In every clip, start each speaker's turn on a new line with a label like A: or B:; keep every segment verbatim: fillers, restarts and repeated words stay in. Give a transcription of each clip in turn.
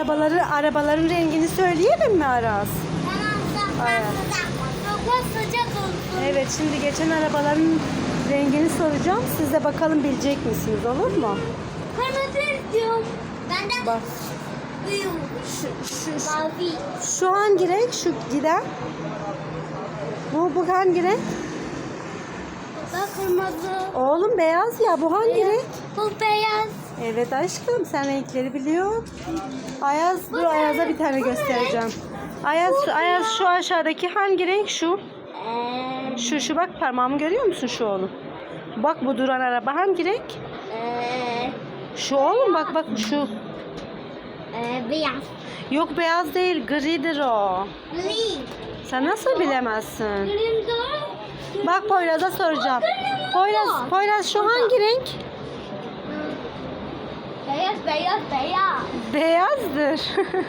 A: arabaları arabaların rengini söyleyelim mi Aras?
B: Tamam,
A: Evet.
B: çok sıcak olsun.
A: Evet, şimdi geçen arabaların rengini soracağım. Siz de bakalım bilecek misiniz, olur mu?
B: Kırmızı istiyorum. Ben de
A: Bak.
B: büyük.
A: Şu, şu, şu,
B: Mavi.
A: şu hangi renk? Şu giden. Bu, bu hangi renk?
B: Bak kırmızı.
A: Oğlum beyaz ya. Bu hangi renk?
B: Bu beyaz.
A: Evet aşkım, sen renkleri biliyorsun. Ayaz, dur
B: Bu
A: Ayaz'a
B: ne?
A: bir tane
B: Bu ne
A: göstereceğim. Ayaz,
B: Bu
A: Ayaz
B: ya.
A: şu aşağıdaki hangi renk? Şu.
B: Eee.
A: Şu, şu bak parmağımı görüyor musun şu oğlum? Bak bu duran araba hangi renk?
B: Eee.
A: Şu oğlum bak bak şu.
B: Eee beyaz.
A: Yok beyaz değil, gridir o.
B: Green.
A: Sen nasıl bilemezsin?
B: Green doğru.
A: Bak Poyraz'a soracağım. Poyraz, Poyraz şu hangi renk?
B: Beyaz, beyaz, beyaz.
A: Beyazdır.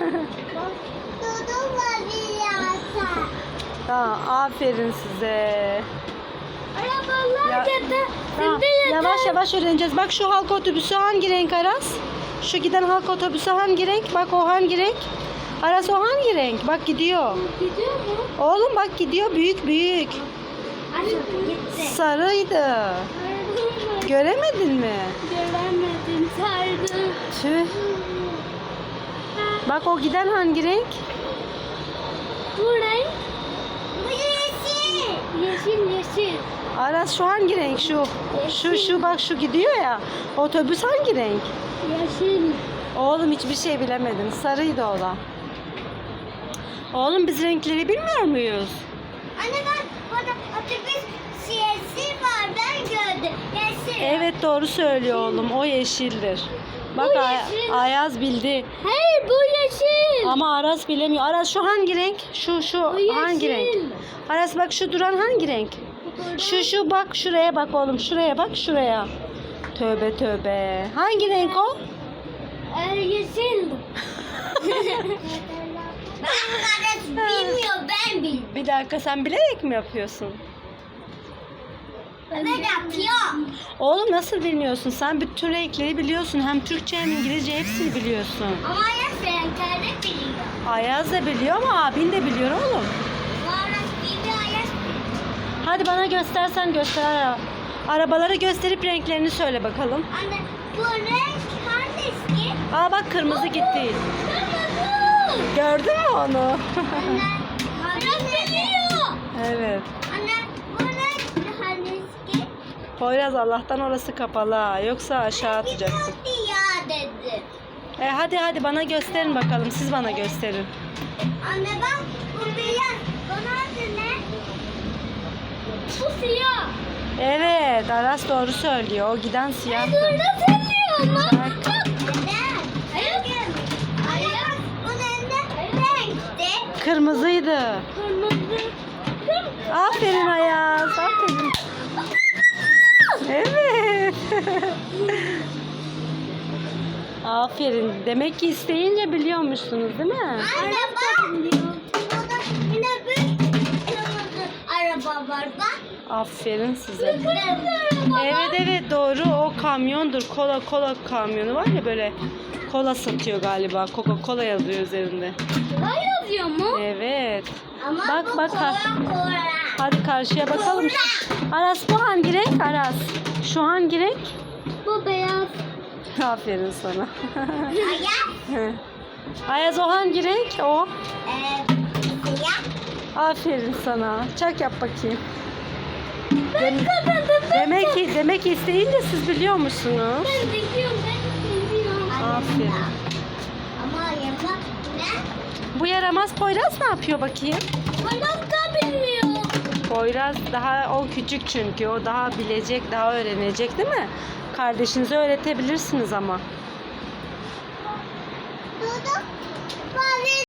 B: Dudu beyaz.
A: Tamam, aferin size.
B: Arabalar
A: Ya-
B: ya da
A: Tamam, yavaş yavaş öğreneceğiz. Bak şu halk otobüsü hangi renk Aras? Şu giden halk otobüsü hangi renk? Bak o hangi renk? Aras o hangi renk? Bak gidiyor.
B: Gidiyor mu?
A: Oğlum bak gidiyor, büyük büyük.
B: Aşkım gitti.
A: Sarıydı. Göremedin mi?
B: Göremedim, sardım.
A: Tüh. Bak o giden hangi renk?
B: Bu renk? Bu yeşil. Yeşil, yeşil.
A: Aras şu hangi renk? Şu. Şu şu bak şu gidiyor ya. Otobüs hangi renk?
B: Yeşil.
A: Oğlum hiçbir şey bilemedim. Sarıydı o da. Oğlum biz renkleri bilmiyor muyuz?
B: Anne bak, burada otobüs yeşil var, ben gördüm. Yeşil.
A: Evet doğru söylüyor oğlum. O yeşildir. Bak
B: Bu
A: Ay-
B: yeşil.
A: Ayaz bildi.
B: Hayır, bu yeşil.
A: Ama Aras bilemiyor. Aras şu hangi renk? Şu şu
B: Bu
A: hangi renk?
B: yeşil.
A: Aras bak şu duran hangi renk? Şu şu bak şuraya bak oğlum. Şuraya bak şuraya. Tövbe tövbe. Hangi renk o?
B: Ee, yeşil. Ben kardeş bilmiyor, ben bilmiyorum.
A: Bir dakika sen bilerek mi yapıyorsun?
B: Ben yapıyorum.
A: Oğlum nasıl bilmiyorsun? Sen bütün renkleri biliyorsun. Hem Türkçe hem İngilizce hepsini biliyorsun.
B: Ama ya sen kardeş biliyor.
A: Ayaz da biliyor ama abin de biliyor oğlum.
B: Kardeş biliyor, Ayaz biliyor.
A: Hadi bana göstersen göster. Ara- Arabaları gösterip renklerini söyle bakalım.
B: Anne, bu renk hangisi?
A: Aa bak kırmızı gitti.
B: Kırmızı.
A: Gördün mü onu?
B: Anne, Ayaz biliyor.
A: Evet.
B: Anne, bu renk hangisi?
A: Poyraz Allah'tan orası kapalı ha. Yoksa aşağı atacaksın.
B: Biliyordu ya dedi.
A: E hadi hadi bana gösterin bakalım. Siz bana gösterin.
B: Anne bak, bu beyaz. Bunun adı ne? Bu siyah.
A: Evet Aras doğru söylüyor. O giden siyah.
B: Burada söylüyor mu?
A: Bak.
B: Neden? Hayır. Hayır. Bunun ne renkti?
A: Kırmızıydı.
B: Kırmızı.
A: Aferin Ayaz. Aferin. Evet. Aferin. Demek ki isteyince biliyormuşsunuz değil mi?
B: Anne bak. Burada yine bir kırmızı araba var bak.
A: Aferin size.
B: Kırmızı araba
A: Evet evet doğru. O kamyondur. Kola kola kamyonu var ya böyle. Kola satıyor galiba. Coca-Cola yazıyor üzerinde.
B: Ne yazıyor mu?
A: Evet.
B: Ama
A: Bak,
B: bu
A: bak,
B: kola kola.
A: Hadi karşıya bakalım. Aras bu hangi renk? Aras. Şu hangi renk?
B: Bu beyaz.
A: Aferin sana.
B: Ayaz.
A: Ayaz o hangi renk? O.
B: Ee, siyah.
A: Aferin sana. Çak yap bakayım. Dem- demek ki demek ki isteyince siz biliyor musunuz?
B: Ben biliyorum, ben biliyorum.
A: Aferin.
B: Ama yamak ne?
A: Bu yaramaz Poyraz ne yapıyor bakayım?
B: Bana da bilmiyor.
A: Poyraz daha o küçük çünkü o daha bilecek, daha öğrenecek değil mi? Kardeşinize öğretebilirsiniz ama.
B: Dudu.